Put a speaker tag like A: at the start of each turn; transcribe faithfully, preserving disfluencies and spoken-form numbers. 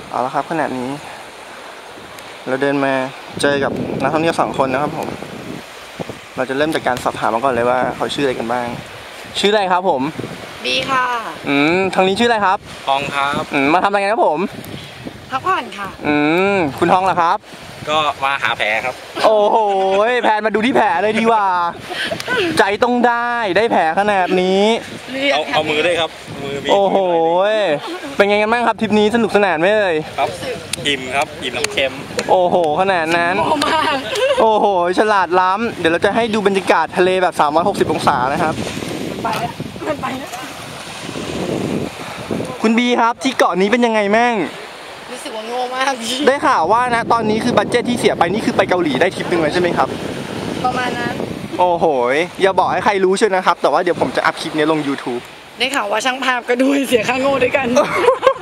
A: เอาละครับขณะนี้เราเดินมาเจอกับนักท่องเที่ยวสองคนนะครับผมเราจะเริ่มจากการสอบถามมาก่อนเลยว่าเขาชื่ออะไรกันบ้างชื่ออะไรครับผม
B: บีค่ะ
A: อืมทางนี้ชื่ออะไรครับ
C: ทองครับ
A: อืมมาทำอะไรกันครับผม
B: พักผ่อนค่ะ
A: อืมคุณทองเหรอครับ
C: ก็มาหาแผลครับ
A: โอ้โหแพนมาดูที่แผลเลยดีกว่าใจต้องได้ได้แผลขนาดนี้
C: เอาเอามือได้ครับมือมี
A: โอ้โหเป็นไงกันบ้างครับทริปนี้สนุกสนานไหมเอ่ย
C: ครับอิ่มครับอิ่มน้ำเค็ม
A: โอ้โหขนาดนั้นโอ้โหฉลาดล้ำเดี๋ยวเราจะให้ดูบรรยากาศทะเลแบบสามร้อยหกสิบองศานะครับ
B: ไปแล้วมันไปแล้ว
A: คุณบีครับที่เกาะนี้เป็นยังไงแม่ง
B: รู้สึกว่าโง่มาก
A: ได้ข่าวว่านะตอนนี้คือบัดเจ็ตที่เสียไปนี่คือไปเกาหลีได้ทริปหนึ่งเลยใช่ไหมครับ
B: ประมาณนั้น
A: โอ้โหอย่าบอกให้ใครรู้เชียวนะครับแต่ว่าเดี๋ยวผมจะอัพคลิปนี้ลง ยูทูบ
B: ได้ข่าวว่าช่างภาพก็ด้วยเสียค่าโง่ด้วยกัน